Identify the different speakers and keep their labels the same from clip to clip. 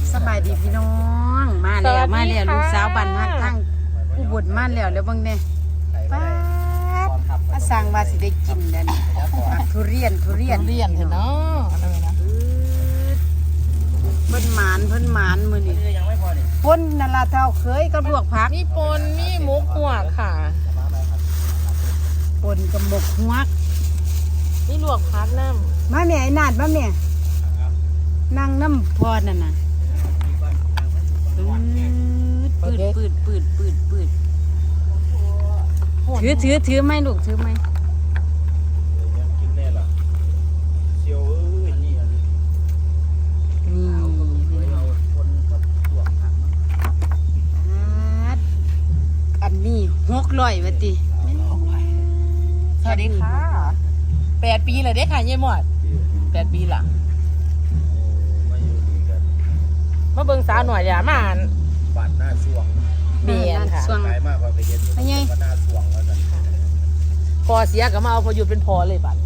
Speaker 1: สบายดีพี่น้องมาแล้วมาแล้วลูกสาวบ้านฮักทั้งผู้บุญมาแล้วเบิ่งแน่ป๊าดมาสั่งว่าสิได้กินเด้อนี่ทุเรียน
Speaker 2: เห็นเนาะอะไรนะ
Speaker 1: เพิ่นหมานมื้อนี้ป่นนั่นล่ะเท่าเคยกับลวกผัก
Speaker 2: มีปนมีหมูกหัวค่ะ
Speaker 1: ป่นกับหมกฮวก
Speaker 2: มีลวกผักน้ำ
Speaker 1: มาแม่ไอ้นาดมาแม่นั่งน้ำพอนั่นน่ะปืดถือไหมลูกถือไหมอันนี้600ว่าติ
Speaker 2: สวัสดีค่ะ8 ปีเลยเด้ค่ะยายหมด8 ปีละมาเบิ่งสาวหน่อยอย่ามาอ่าน
Speaker 3: บ้านหน้าช่วง
Speaker 2: เบียนค่ะ
Speaker 3: ไกลมากกว่าไปเย็นบ้านหน้าช่วงแล้วกัน
Speaker 2: พอเสียก็มาเอาพอหยุดเป็นพอเลยบัด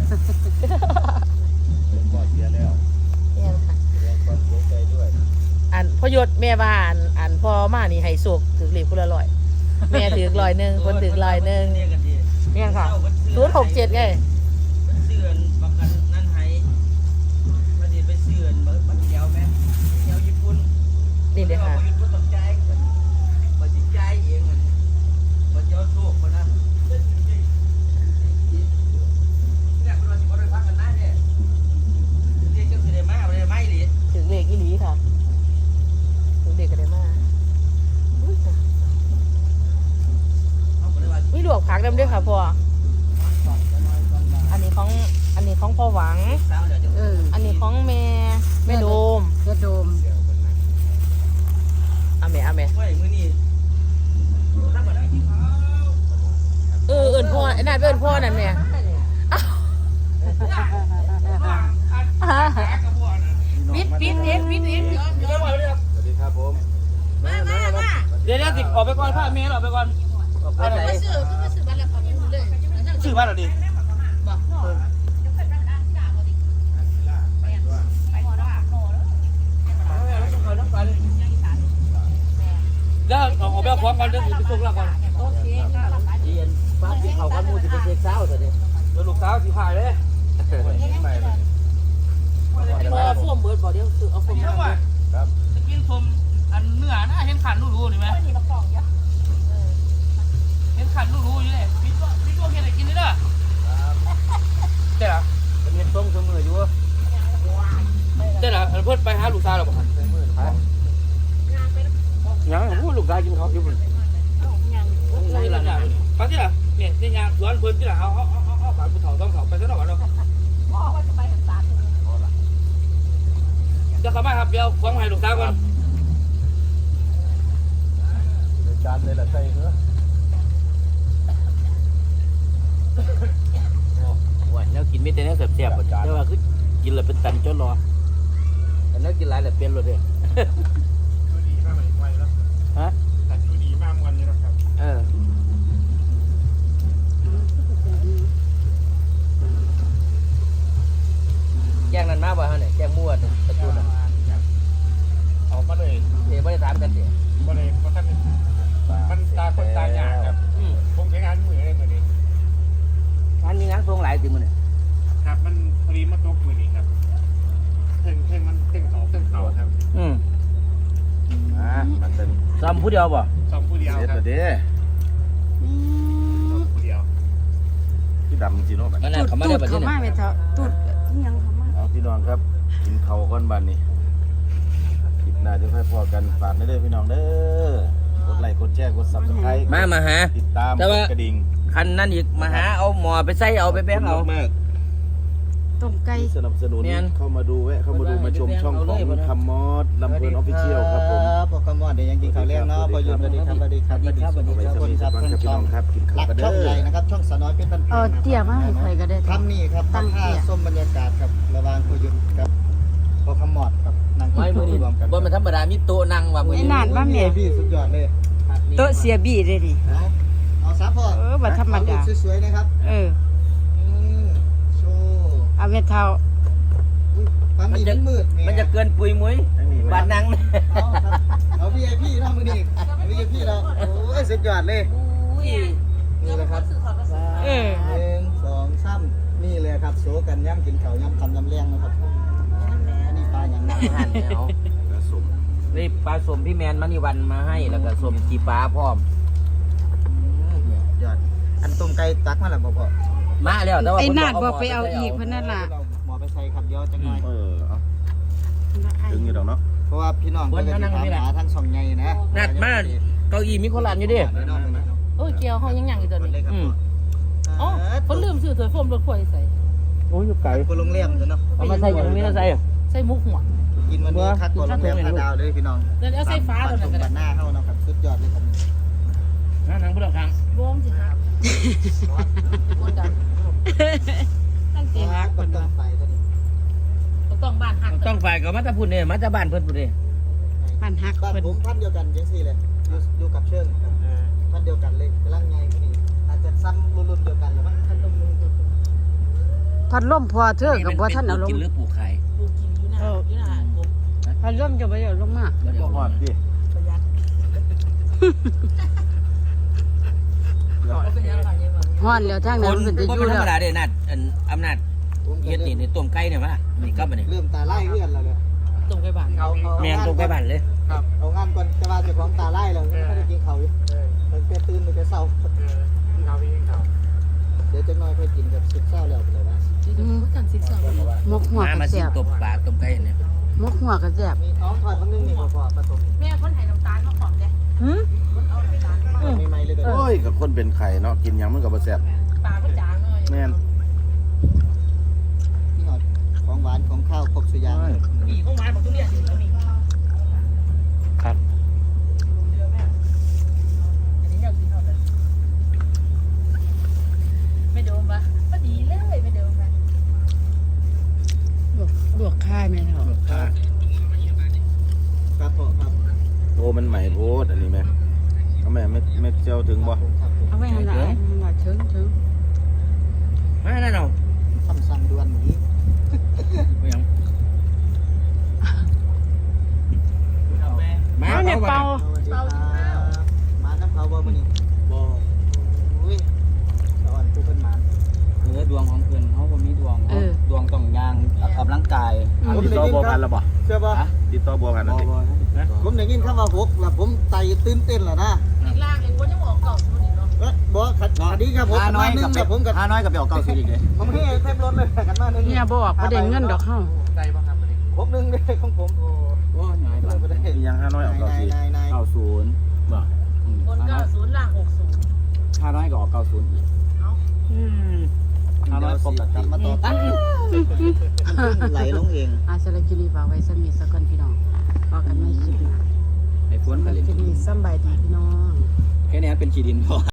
Speaker 3: พอเสียแล้ว
Speaker 2: เนี่ยค่ะ
Speaker 3: แสดงความเสียใจด้วย
Speaker 2: อันพอหยุดแม่บ้านอันพอมานี่ให้สุกถือเหรียญคนละ100แม่ถือ100คนถือ100เนี่ยค่ะ067ไง
Speaker 4: เสื่อนประกันนั่นให้ประเดี๋ยวไปเสื่อนบัตรเดียวไหมเดียวญี่ปุ่น
Speaker 2: นี่เด้อค่ะ
Speaker 4: ญี่ปุ่นต้องใจบัตรใจเองมันบัตรเดียวโชคคนนั้นเนี่ยคนเราสิบวันพักกันนะเนี่ยเรียกก็คือได้มาได้ไม่หรือ
Speaker 2: ถึงเลขอีหลีค่ะถึงเลขก็ได้มามีลวกผักดำด้วยค่ะพ่ออันนี้ของพ่อหวังอันนี้ของแม่โดมเอาแม่
Speaker 4: มือนี่
Speaker 2: เอิ้นพ่อไอ้นั่นเอิ้นพ่อนั่นแม่ปิดเอ็ด
Speaker 3: สวัสดีครับผม
Speaker 4: เดี๋ยวติดออกไปก่อนผ้าเมย์ออกไปก่อนซื้อบ้านเหรอดิเดี๋ยวออกไปเอาของก่อนเดี๋ยวไปส่งแล้วก่อน
Speaker 2: โอเคค่ะ
Speaker 4: เรียนฟ้าที่เขากันมูจะเป็นเด็กสาวสิเดี๋ยวลูกสาวสิพายเลย
Speaker 2: เอาโฟมเบิร์ดบอกเดี๋ยวซื้อเอาโฟม
Speaker 4: ครับจะกินโฟมอันเนื้อนะเห็นขันรู้ๆนี่ไหมเห็นขันรู้ๆอยู่เลยพี่ตัวเห็นอะไรกินนี่เด้อเจ้าเป็นเห็นต้มเสมออยู่เจ้าเพิ่นไปหาลูกสาวหรอบ่ยังพูดลูกชายกินเขาอยู่บนนี่แหละฟังที่ละเนี่ยนี่ยางสวนเพิ่นที่ละเอาผ่านภูเขาต้องเขาไปซะหน่อยเนาะจะเข้ามาครับเดี๋ยวฟังให้ลูกสาวก่อน
Speaker 3: จานเลยละใจเหรอ
Speaker 4: ว่าแล้วกินไม่ได้แล้วแซ่บๆบ่จ้าแต่ว่าคือกินแล้วเป็นตันจนรอแต่แล้วกินหลายแล้วเป็นเลยเด้ฮะแต่ดูดีมากวันนี้นะครับแจ้งนั้นมาบ่ฮะเนี่ยแจ้งมั่วตะกูน่ะ
Speaker 3: เอามาเลย
Speaker 4: บ่ได้ถามกันสิ
Speaker 3: บ่ได้เพราะท่านมันตาคนตาหยาครับคงใช้งานมือได้เหมือนนี้
Speaker 4: งานมีงานทรงหลายสิมื้อนี่
Speaker 3: ครับมันพอดีมาตกมือนี้ครับเพ่งมันเพ่งเขาครับมันเป็น
Speaker 4: ซ้ำผู้เดียวบ่
Speaker 3: ซ้ำผู้เดียวครับเด้ผู้เดียวพี่ดำจีโน่แบบ
Speaker 1: ตูดเขามาไม่เท่าตูดยังเขามา
Speaker 3: เอาพี่น้องครับกินเขาก้อนบันนี่คลิปหน้าจะค่อยพอกันฝากได้พี่น้องเด้อกดไลค์กดแชร์กดซับสไครต์
Speaker 4: มาหา
Speaker 3: ติดตามกระดิ่ง
Speaker 4: คันนั้นอีกมาหาเอาหมอไปใส่เอาไปแบงเอา
Speaker 1: ต้มไก่
Speaker 3: สนับสนุนเข้ามาดูมาชมช่องของคำมอดลำเพลินออฟฟิเชียลครับผม
Speaker 4: พอคำมอดเดี๋ยวยังกินข้าวแรงเนาะพอหยุดสวัสดีครับสวัสดีครับ
Speaker 3: พี่น้องครับกินข้าวกันเด้อ
Speaker 4: ช่องใหญ่นะครับช่องสน้อยเป็น
Speaker 1: เเตี้ยมากให้ใครก็ได้
Speaker 4: ทำนี่ครับตั้งท่าส้มบรรยากาศครับระหว่างพอหยุดกับพอคำมอดครับนั่งกินข้าวรวมกันบนมันธรรมดามีโต๊ะนั่งว่า
Speaker 1: มื้อนี้นานมาแม่
Speaker 4: พี่สุดยอดเลย
Speaker 1: โต๊ะเสียบี้ได้ดิ
Speaker 4: เอาซับพ่อ
Speaker 1: บ่ธรรมดา
Speaker 4: สวยๆนะครับโชว์
Speaker 1: เอาเม็ดเท่า
Speaker 4: มันจะเกินปุยมุ้ยบ้านนัง
Speaker 5: เอา VIP นะมือนี่ VIP แล้วโอ้ยสุดยอดเลยนี่แหละครับ
Speaker 2: เออ
Speaker 5: 1 2 3นี่เลยครับโซกันย่ำกินข้าวย่ำคำย่ำแรงนะครับอันนี้ปลาอย่างนั้น
Speaker 4: หั่นแล้ว
Speaker 3: กระสุม
Speaker 4: นี่ปลาสมพี่แมนมณีวันมาให้แล้วก็สมจีปลาพร้อม
Speaker 5: ยอดอันต้มไก่ตักมาแล้วบ่พอ
Speaker 4: มาแล้วแต่ว่า
Speaker 1: ไอ้
Speaker 4: เพิ่
Speaker 1: นาด
Speaker 4: เ
Speaker 1: บอกไปเอาอีกเพิ่นนั่นล่ะ
Speaker 5: หมอไปใส่ครับเดี๋ยวจังหน่อย
Speaker 3: เอาถึงอยู่ดอกเนาะ
Speaker 5: เพราะว่าพี่น้องเพิ่นก็สิถามหาทั้งสองไงนะ
Speaker 4: นัดมาเก้าอี้มีคนหลานอยู่ดิ
Speaker 5: พี่น้องเพิ่นก็
Speaker 2: โอ้ยเกียวเขายังอยู่ตัว
Speaker 5: เล
Speaker 2: นี้
Speaker 5: ยครับ
Speaker 2: อ๋อคนลืมซื้อถ้วยโฟมรถถ้วยใส่
Speaker 4: โอ้ยอยู่ไกล
Speaker 5: ไปโรงแรมเนาะ
Speaker 4: เอามาใส่อย่างนี้แล้วใส่
Speaker 2: ใส่มุกหัว
Speaker 5: กินวันนี้คักกว่าโรงแรม5ดาวเลยพี่น้อง
Speaker 2: เดี๋ยวเอาใส่ฟ้า
Speaker 5: เล
Speaker 2: เลย ย
Speaker 5: กั
Speaker 2: กัน
Speaker 5: นหน้าเฮาเนาะครับสุดยอดเลยครับ
Speaker 4: นั่งพุทธครั้ง
Speaker 2: รวมสิครับคนดังตั้งใจฮัก
Speaker 5: ก็
Speaker 2: คน
Speaker 5: ต้อ
Speaker 2: ว่าง
Speaker 5: ไปตัวนี้
Speaker 2: ต้องบ้านฮัก
Speaker 4: ต้องฝ่ายกับมาตาพุ่นเนี่ยมาตาบ้านเพิ่นพุ่นเนี่ย
Speaker 1: บ้านฮัก
Speaker 5: บ้าน
Speaker 1: เพิ่น
Speaker 5: ผมท่านเดียวกันจังซี่เลยอยู่กับเชิงครับท่านเดียวกันเลยกำลังไงพอดีอาจจะซ้ำรุ่นเดียวกันหรือมั้ง
Speaker 2: พันลมลงตัว
Speaker 1: พัดลมพอเธอกับบ่ท่านเอาลง
Speaker 4: กินหรือปลูกไข่
Speaker 2: ปูกินอยู่นะอยู่นะผม
Speaker 1: พัดลมจะบ่ได้เอาลงมา
Speaker 3: บ่ฮอดดิ
Speaker 2: ประหยัดเป็นยังไงยังไง
Speaker 1: ฮ้อนแล้วทางนั้นมันจะอยู่
Speaker 4: ธร
Speaker 1: แล้
Speaker 4: ร
Speaker 1: ว
Speaker 4: มดาเด้นัดอำนาจ
Speaker 5: ผมก็
Speaker 4: เฮ็ดนี่ต้มไก่เนี่ยมานี่กลับมานี่
Speaker 5: เริ่มตาไล่เพื่อนแล้วเนี่ย
Speaker 2: ตรงไปบ้าน
Speaker 4: แม่งต้มไก่บ้านเลย
Speaker 5: ครับเอางานก่อนจะว่าเจะของตาไล่แล้วไม่ได้กินเขาวอยู่ตั้งแต่ตื่นตั้งแต่เช้าเดี๋ยวจังน้อยค่อยกินกับสุดเช้าแล้วไปเลยนะ
Speaker 2: กันสิบสอง
Speaker 1: มกหัว
Speaker 4: มา
Speaker 1: ก็
Speaker 4: มาสิ
Speaker 1: แซ่บ
Speaker 4: ตบปลาต้มไก่เนี่ย
Speaker 1: มกหัวก็แซ่บ
Speaker 5: มีท้องทอดมันนึงนี่พอผสม
Speaker 2: แม่คนไทยน้ำตาลมาขอมเด้
Speaker 1: หึ
Speaker 5: ใหม่ๆเลยเด้อ
Speaker 3: โอ้ยกับคนเป็นไข่เนาะกินหยังมันก็บ่แซ่บ
Speaker 2: ปลาก็จางเลย
Speaker 3: แม่น
Speaker 5: นี่หอดของหวานของข้าวครบสุดอย่าง
Speaker 2: มีข้าวหวานบอกทุเรียนอยู่แล้วมี
Speaker 4: ครับ
Speaker 2: อันนี้เรากินเท่าไหร่ไม่โดนปะก็ดีเลยไม่โดนปะ
Speaker 1: ลวกค่ายแม่เฒ่า
Speaker 5: ครับผมครับ
Speaker 3: โอ้มันใหม่โพดอันนี้แม่เอาแม่ไม่เจียวถึงบ่
Speaker 1: เอาไว้หั่นล่ะว่าถึง
Speaker 4: มาแน่นอน
Speaker 5: คำสั่งด่วนนี้
Speaker 4: ไม่ยังมา
Speaker 1: เอาเนี่ยเป่า
Speaker 5: สวัสดีครับมาน้ำเขาบ่มื้อนี้บ่อุ้ยสอนผู้เพิ่นมา
Speaker 6: คือดวงของเพื่อนเขาก็มีดวง
Speaker 1: เออ
Speaker 6: ดวงต้องยางออกกำลังกาย
Speaker 3: ติดต่อบัวพันแล้วบ่
Speaker 5: เชื่อบ่
Speaker 3: ติดต่อบัวพันแล้วติ
Speaker 5: ผมได้ยินคำว่าหกแล้วผมไตตื่นเต้นแล้วนะ
Speaker 2: อีกล่างเองคนยังบอกเก่าอยู่นี่เนาะ
Speaker 5: บ่ขัดดีครับผม
Speaker 6: ห้าน้อย
Speaker 5: นึ
Speaker 6: กับ
Speaker 5: งแล้วผมก็
Speaker 6: ห้าน้อยกับไปออกเก้าสิบอีกเลย
Speaker 5: ผมให้เต็มรถเลยกันมานึง
Speaker 1: เนี่ยบ่ออกบ่ได้เงินดอกเฮา
Speaker 5: ผมนึงเลยของผม
Speaker 6: โอ้ยน้อยบ้าง
Speaker 5: บ่ได้
Speaker 3: มียัง5น้อยออกเก่าสิ
Speaker 5: นาย
Speaker 6: เก้าศูนย์บ่
Speaker 2: บน90ล่าง60
Speaker 6: ห้าน้อยก็ออกเก้าศูนย์อีก ห้าน้อยครบแล้ว
Speaker 5: กลับมาต่อไหลลงเอง
Speaker 1: อาสารกินีฝากไว้สมีสักคนพี่น้องพอกันไม่คลิปหน้า
Speaker 6: ไอ้ฝนก็เล่น
Speaker 1: คลิปนี้สำบายดีพี่น้อง
Speaker 6: แค่นี้เป็นขีดินพอ